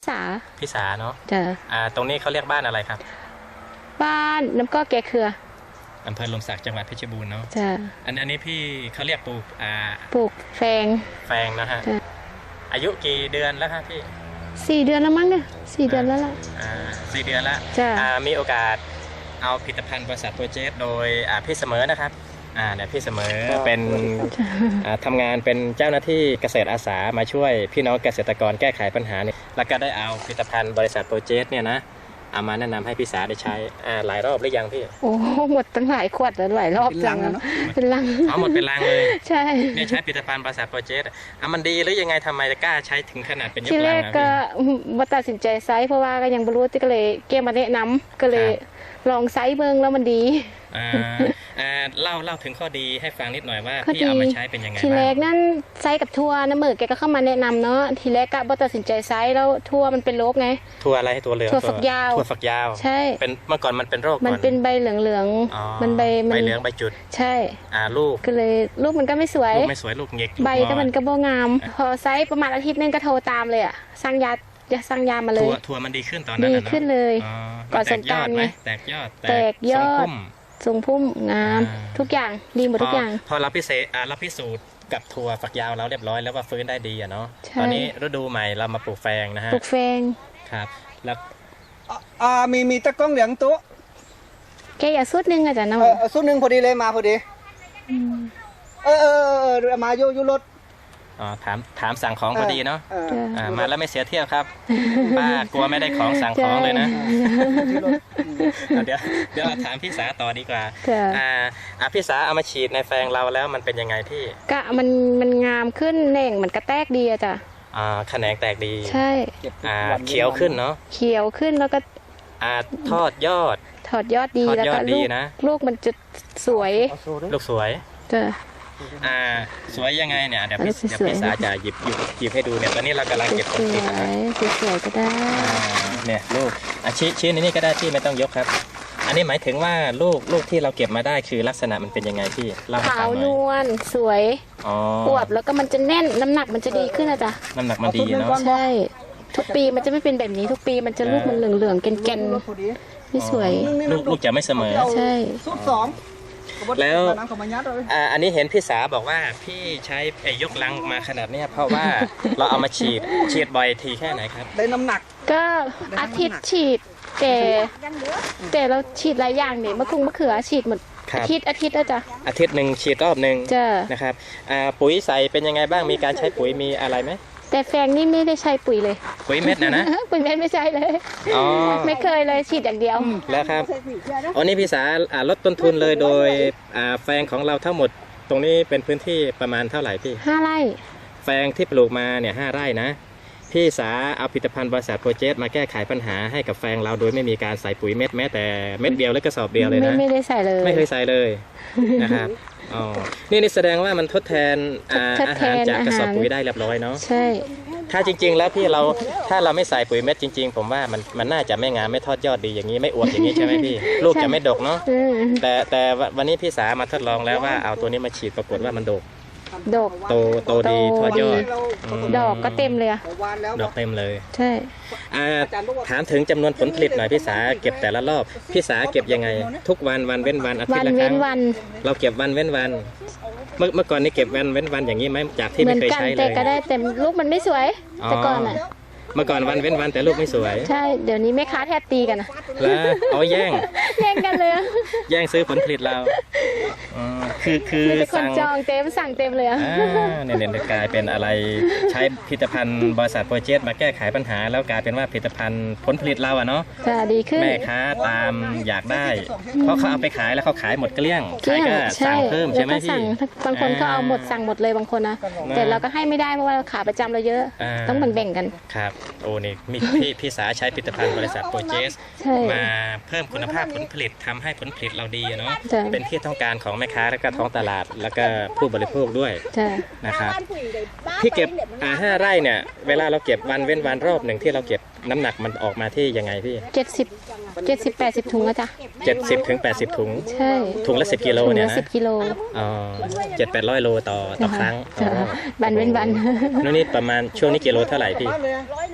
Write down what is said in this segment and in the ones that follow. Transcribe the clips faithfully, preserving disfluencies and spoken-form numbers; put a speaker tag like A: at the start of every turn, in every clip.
A: สา
B: พิสาเนาะ
A: จ้ะ
B: อ่าตรงนี้เขาเรียกบ้านอะไรครับ
A: บ้านน้ำก็แกเครือ
B: อำเภอลมศักดิ์จังหวัดเพชรบูรณ์เนาะ
A: จ้ะ
B: อันอันนี้พี่เขาเรียกปลูกอ่า
A: ปลูกแฟง
B: แฟงนะฮะอายุกี่เดือนแล้วครับพี่
A: สี่เดือนแล้วมั้งเนี่ยสี่เดือนแล้วล่ะ
B: อ่าสี่เดือนแล้ว
A: จ้ะ
B: อ่ามีโอกาสเอาผลิตภัณฑ์บริษัทโปรเจกต์โดยอ่าพี่เสมอนะครับอ่าเนี่ยพี่เสมอเป็นอ่าทำงานเป็นเจ้าหน้าที่เกษตรอาสามาช่วยพี่น้องเกษตรกรแก้ไขปัญหาเนี่ยแล้วก็ได้เอาผลิตภัณฑ์บริษัทโปรเจกต์เนี่ยนะเอามาแนะนำให้พี่สาได้ใช้อ่าหลายรอบหรือยังพี่
A: โอ้หมดตั้งหลายขวดแล้วหลายรอบจังเนาะเป็นลัง
B: เอาหมดเป็นลังเลย
A: ใช่
B: เนี่ยใช้ผลิตภัณฑ์บริษัทโปรเจกต์อ่ะมันดีหรือยังไงทำไมจะกล้าใช้ถึงขนาดเป็นยกลัง
A: ทีแรกก็มาตัดสินใจไซส์เพราะว่าก็ยังไม่รู้ที่ก็เลยเกมมาแนะนำก็เลยลองไซส์เบิ้งแล้วมันดี
B: อ่าอ่าเล่าเล่าถึงข้อดีให้ฟังนิดหน่อยว่าพี่เอามาใช้เป็นยังไง
A: ทีแรกนั่นไซส์กับทัวร์น้ำมือแกก็เข้ามาแนะนำเนาะทีแรกก็บ่ตัดสินใจไซส์แล้วทัวร์มันเป็นโรคไง
B: ทัวร์อะไรตัวเหลือง
A: ทัวร์ฝักยาว
B: ทัวร์ฝักยาว
A: ใช่
B: เป็นเมื่อก่อนมันเป็นโรค
A: มันเป็นใบเหลืองๆมันใบ
B: ใบเหลืองใบจุด
A: ใช่
B: อ่าลูก
A: ก็เลยลูกมันก็ไม่สวย
B: ลูกไม่สวยลูกเง็ก
A: ใบก็มันก็บ่งามพอไซส์ประมาณอาทิตย์นึงก็โทรตามเลยอ่ะสั่งยาจะสั่งยามาเลย
B: ทัวร์มันดีขึ้นตอนนั้น
A: ดีขึ้นเลยก่อนสงกรานต์ไง
B: แตกยอด
A: แตกยอดทรงพุ่มงามทุกอย่างดีหมดทุกอย่าง
B: พอเราพิเศษอ่าเราพิสูจน์กับทัวร์ฝักยาวเราเรียบร้อยแล้วว่าฟื้นได้ดีอ่ะเนาะตอนนี้ฤดูใหม่เรามาปลูกแฟงนะฮะ
A: ปลูกแฟง
B: ครับแล้ว
C: อ่ามีมีตะก้องเหลืองตัว
A: แกอย่าสุดนึงอาจารย์นะ
C: เออสุดนึงพอดีเลยมาพอดีเออเออเออมาโยยุรถ
B: อ๋อถามถามสั่งของพอดีเนาะอ่ามาแล้วไม่เสียเที่ยวครับป้ากลัวไม่ได้ของสั่งของเลยนะเดี๋ยวเดี๋ยวถามพี่สาต่อดีกว่าอ่าอ่าพี่สาเอามาฉีดในแฟงเราแล้วมันเป็นยังไงพี่
A: ก็มันมันงามขึ้นแหน่งมันกระแตกดีอะจ้ะ
B: อ่าแขนงแตกดี
A: ใช่
B: อ่าเขียวขึ้นเนาะ
A: เขียวขึ้นแล้วก็
B: อ่าทอดยอด
A: ถอดยอดดีแล้วก็ลูกลูกมันจะสวย
B: ลูกสวย
A: จ้ะ
B: อ่าสวยยังไงเนี่ยเดี๋ยวพี่เดี๋ยวพี่สาจะหยิบหยิบหยิบให้ดูเนี่ยตอนนี้เรากำลังเก็บผลผลิตนะ
A: สวยๆก็ได้
B: เนี่ยลูกอ่ะชี้ชี้ในนี้ก็ได้พี่ไม่ต้องยกครับอันนี้หมายถึงว่าลูกลูกที่เราเก็บมาได้คือลักษณะมันเป็นยังไงพี่
A: ขาวนวลสวยอวบแล้วก็มันจะแน่นน้ำหนักมันจะดีขึ้นนะจ๊ะ
B: น้ำหนักมันดีเนาะ
A: ใช่ทุกปีมันจะไม่เป็นแบบนี้ทุกปีมันจะลูกมันเหลืองๆแก่นๆไม่สวย
B: ลูกลูกจะไม่เสมอ
A: ใช่
C: สุดสอง
B: แล้วอ่าอันนี้เห็นพี่สาบอกว่าพี่ใช้ไอ้ยกลังมาขนาดนี้เพราะว่าเราเอามาฉีดฉีดบ่อยทีแค่ไหนครับ
C: ได้น้ำหนัก
A: ก็อาทิตย์ฉีดแต่แต่เราฉีดหลายอย่างเนี่ยมะคุงมะเขือฉีดหมดอาทิตย์อาทิตย์นะจ๊ะ
B: อาทิตย์หนึ่งฉีดรอบหนึ่งนะครับอ่าปุ๋ยใส่เป็นยังไงบ้างมีการใช้ปุ๋ยมีอะไรไหม
A: แต่แฟงนี่ไม่ได้ใช้ปุ๋ยเลย
B: ปุ๋ยเม็ดนะนะ
A: ปุ๋ยเม็ดไม่ใช่เลยไม่เคยเลยฉีดอย่างเดียว
B: แล้วครับอ๋อนี่พี่สาลดต้นทุนเลยโดยแฟงของเราทั้งหมดตรงนี้เป็นพื้นที่ประมาณเท่าไหร่พี่
A: ห้าไร่
B: แฟงที่ปลูกมาเนี่ยห้าไร่นะพี่สาเอาผลิตภัณฑ์บริษัทโปรเจกต์มาแก้ไขปัญหาให้กับแฟงเราโดยไม่มีการใส่ปุ๋ยเม็ดแม้แต่เม็ดเดียวหรือกระสอบเดียวเลยนะ
A: ไม่ได้ใส่เลย
B: ไม่เคยใส่เลยนะครับอ๋อนี่นี่แสดงว่ามันทดแทนอาหารจากกระสอบปุ๋ยได้เรียบร้อยเนาะ
A: ใช่
B: ถ้าจริงๆแล้วพี่เราถ้าเราไม่ใส่ปุ๋ยเม็ดจริงๆผมว่ามันมันน่าจะไม่งามไม่ทอดยอดดีอย่างนี้ไม่อวบอย่างนี้ใช่ไหมพี่ลูกจะไม่ดกเนาะแต่แต่วันนี้พี่สามาทดลองแล้วว่าเอาตัวนี้มาฉีดปรากฏว่ามันดก
A: ดอก
B: โตโตดีทอดยอด
A: ดอกก็เต็มเลย
B: ดอกเต็มเลย
A: ใช่
B: ถามถึงจำนวนผลผลิตหน่อยพี่สาเก็บแต่ละรอบพี่สาเก็บยังไงทุกวันวันเว้นวันอาทิตย์ละครั้งเราเก็บวันเว้นวันเมื่อเมื่อก่อนนี้เก็บวันเว้นวันอย่างนี้ไหมจากที่ไม่เคยใช้เลย
A: แต่ก็ได้แต่ลูกมันไม่สวยแต่ก่อนอ่ะ
B: เมื่อก่อนวันเว้นวันแต่ลูกไม่สวย
A: ใช่เดี๋ยวนี้แม่ค้าแทบตีกันนะ
B: แล้วเอาแย่ง
A: แย่งกันเลย
B: แย่งซื้อผลผลิตเราคือคือ
A: สั่งจองเต็มสั่งเต็มเลยอ่ะ
B: เนี่ยเนี่ยกลายเป็นอะไรใช้ผลิตภัณฑ์บริษัทโปรเจกต์มาแก้ไขปัญหาแล้วกลายเป็นว่าผลิตภัณฑ์ผลผลิตเราอะเนาะ
A: จะดีขึ้น
B: แม่ค้าตามอยากได้เพราะเขาเอาไปขายแล้วเขาขายหมดเกลี้ยงใช่ก็สั่งเพิ่มใช่ไหมพี่
A: บางคนก็เอาหมดสั่งหมดเลยบางคนนะแต่เราก็ให้ไม่ได้เพราะว่าขาประจำเราเยอะต้องแบ่งๆกัน
B: ครับโอ้นี่มีพี่พี่สาใช้ผลิตภัณฑ์บริษัทโปรเจกต์มาเพิ่มคุณภาพผลผลิตทำให้ผลผลิตเราดีเนาะเป็นที่ต้องการของแม่ค้าและก็ท้องตลาดแล้วก็ผู้บริโภคด้วยนะครับที่เก็บอ่าห้าไร่เนี่ยเวลาเราเก็บวันเว้นวันรอบหนึ่งที่เราเก็บน้ำหนักมันออกมาที่ยังไงพี่
A: เจ็ดสิบเจ็ดสิบแปดสิบถุงอะจ้ะ
B: เจ็ดสิบถึงแปดสิบถุง
A: ใช่
B: ถุงละสิบกิโลเนี่ยนะ
A: สิบกิโล
B: อ๋อเจ็ดแปดร้อยโลต่อต่อครั้ง
A: วันเว้นวัน
B: นู่นนี่ประมาณช่วงนี้กิโลเท่าไหร่พี่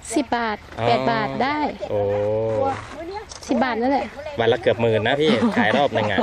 A: สิบบาทแปดบาทได้
B: โอ้
A: สิบบาทนั่นแหละ
B: วันละเกือบหมื่นนะพี่ ขายรอบหนึ่งอ่ะ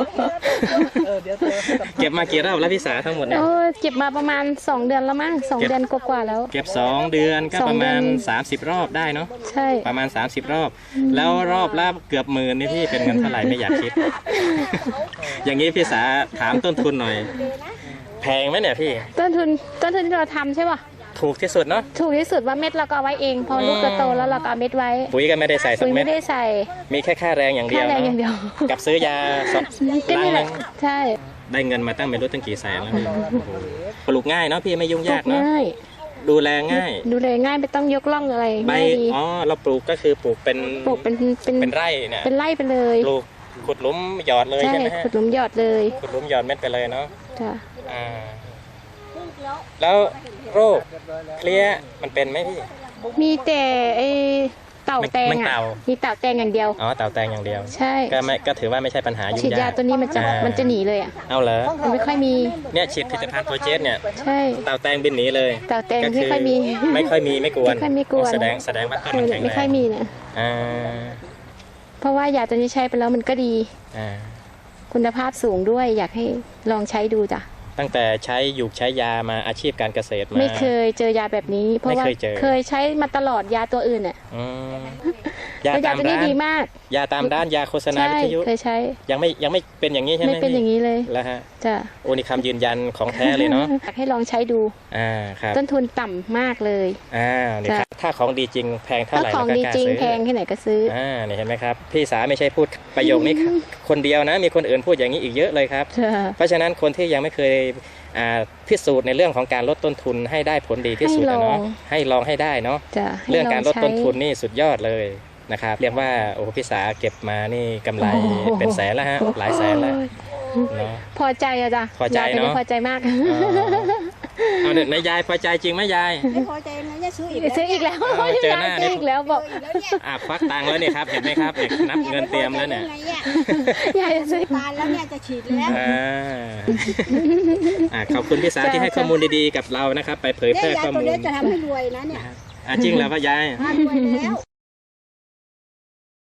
B: เก็บมากี่รอบแล้วพี่สาทั้งหมดเนี่ย
A: โอ้เก็บมาประมาณสองเดือนแล้วมั้งสองเดือนกว่าๆแล้ว
B: เก็บสองเดือนก็
A: สอง
B: ประมาณ
A: เดือน
B: สามสิบรอบได้เนาะ
A: ใช่
B: ประมาณสามสิบรอบ แล้วรอบละเกือบหมื่นนี่พี่เป็นเงินเท่าไหร่ไม่อยากคิด อย่างนี้พี่สาถามต้นทุนหน่อย แพงไหมเนี่ยพี่
A: ต้นทุนต้นทุนที่เราทำใช่ป่ะ
B: ถูกที่สุดเนาะ
A: ถูกที่สุดว่าเม็ดเราก็เอาไว้เองพอลูกจะโตแล้วเราก็เอาเม็ดไว้
B: ปุ๋ยก็ไม่ได้ใส่สั
A: ปุ๋
B: ก
A: ย
B: เม็
A: ไม่
B: ด
A: ได้ใส่
B: มีแค่ค่าแรงอย่างเดียว
A: ค่าแรงอย่างเดียว
B: กับซื้อยาสอง
A: ก็
B: ลัง
A: นี่แห
B: นึ
A: ละ
B: ง
A: ใช่
B: ได้เงินมาตั้งไม่รู้ตั้งกี่แสนแล้วพี่โอ้โหปลูกง่ายเนาะพี่ไม่ยุ่งยากเนาะ
A: ง่าย
B: ดูแลง่าย
A: ดูแลง่ายไม่ต้องยกล่องอะไร
B: ใบ
A: ง่ายดี
B: อ๋อเราปลูกก็คือปลูกเป็น
A: ปลูกเป็นเป็น
B: เป็นไร่เนี่ย
A: เป็นไร่ไปเลย
B: ปลูกขุดหลุมหยอดเลย
A: ใช่
B: ใช่ไหมฮะ
A: ขุดหลุมหยอดเลย
B: ขุดหลุมหยอดเม็ดไปเลยเนาะ
A: จ้ะ
B: อ่าแล้วโรคเพลี้ยมันเป็นไหมพี่
A: มีแต่ไอเต่าแตง
B: มัน
A: อ่ะ
B: เต่า
A: มีเต่าแตงอย่างเดียว
B: อ๋อเต่าแตงอย่างเดียว
A: ใช่
B: ก็ไม่ก็ถือว่าไม่ใช่ปัญหายุ่
A: ฉีดยาย
B: งาก
A: ตัวนี้มันจะ
B: อ่ามั
A: มันจะหนีเลยอ่ะ
B: เอาเหรอ
A: มันไม่ค่อยมี
B: เนี่ยฉีดผลิตภัณฑ์โปรเจสเนี่ย
A: ใช่
B: เต่าแตงบินหนีเลย
A: เต่าแตง
B: ก็
A: ไม่ค่อยมี
B: ไม่ค่อยมีไม่กวน
A: ไม่ค่อยมีกวน
B: แสดงแสดงว่าต้น
A: เอ
B: มัน
A: อ
B: แข็งแรง
A: ไม่ค่อยมีเนี่ย
B: อ่า
A: เพราะว่ายาตัวนี้ใช้ไปแล้วมันก็ดี
B: อ่า
A: คุณภาพสูงด้วยอยากให้ลองใช้ดูจ้ะ
B: ตั้งแต่ใช้อยู่ใช้ยามาอาชีพการเกษตรมา
A: ไม่เคยเจอยาแบบนี้ เพราะว่า
B: ไม่เคยเจอ
A: เคยใช้มาตลอดยาตัวอื่นอ่ะ
B: อืมยา
A: แล้วยา
B: ตาม
A: ตัวนี้
B: ร้าน
A: ดีมาก
B: ยาตามร้านยาโฆษณา
A: ใช่
B: วิทยุ
A: เคยใช้
B: ยังไม่ยังไม่เป็นอย่างนี้ใช่ไหม
A: ไม่เป็นอย่าง
B: นี้
A: นี้เลย
B: แล้วฮะ
A: จ้ะ
B: โอ้นี่คำยืนยันของแท้เลยเนาะ
A: อยากให้ลองใช้ดู
B: อ่าครับ
A: ต้นทุนต่ำมากเลย
B: อ่านี่ครับถ้าของดีจริงแพงเท่า
A: ถ้า
B: ไหร่
A: ของ
B: เราก็
A: ดี
B: กล้า
A: จริง
B: ซื้อ
A: แพงที่ไหนก็ซื้อ
B: อ่านี่เห็นไหมครับพี่สาไม่ใช่พูดประโยคนี้คนเดียวนะ มีคนอื่นพูดอย่างนี้อีกเยอะเลยครับ
A: จ้ะ
B: เพราะฉะนั้นคนที่ยังไม่เคยอ่าพิสูจน์ในเรื่องของการลดต้นทุนให้ได้ผลดีที่สุด
A: ให้ล
B: นะ
A: อง
B: เนาะให้ลองให้ได้เนาะ
A: จ้ะให้
B: เรื่องการลด
A: ใช้
B: ต้นทุนนี่สุดยอดเลยนะครับเรียกว่าโอ้โหพี่สาเก็บมานี่กำไร
A: โอ้โห
B: เป็นแสนแล้วฮะหลายแสนแล้วเนาะ
A: พอใจอะจ้ะ
B: พอใจ
A: ยายตัวนี้
B: เนอะ
A: พอใจมาก
B: อ๋อเอาเด็กนายยายพอใจจริงไหมยาย
D: ไม่พอใจนะจะซื้ออีก
A: ซื้ออีกแล้ว
B: เอาเจอหน้า
A: ซื้ออีกแล้วบอก
D: แล้วเนี่ย
B: อ่ะควักตังค์แล้วเนี่ยครับเห็นไหมครับเนี่ยนับเงินเตรียมแล้วเนี่ย
D: ไงเนี่ย
A: ยายจะซื้อ
D: ตายแล้วเนี่ยจะฉีดแล้ว
B: อ่าอ่ะขอบคุณพี่สาที่ให้ข้อมูลดีๆกับเรานะครับ ไปเผย
D: เนี่
B: แพ
D: ย
B: ร่
D: ยา
B: ข้อ
D: ตัว
B: มูล
D: เนี้ยจะทำให้รวยนะเนี่ย
B: อ่ะจริงแล้วพ่อยาย
D: รวยแล้ว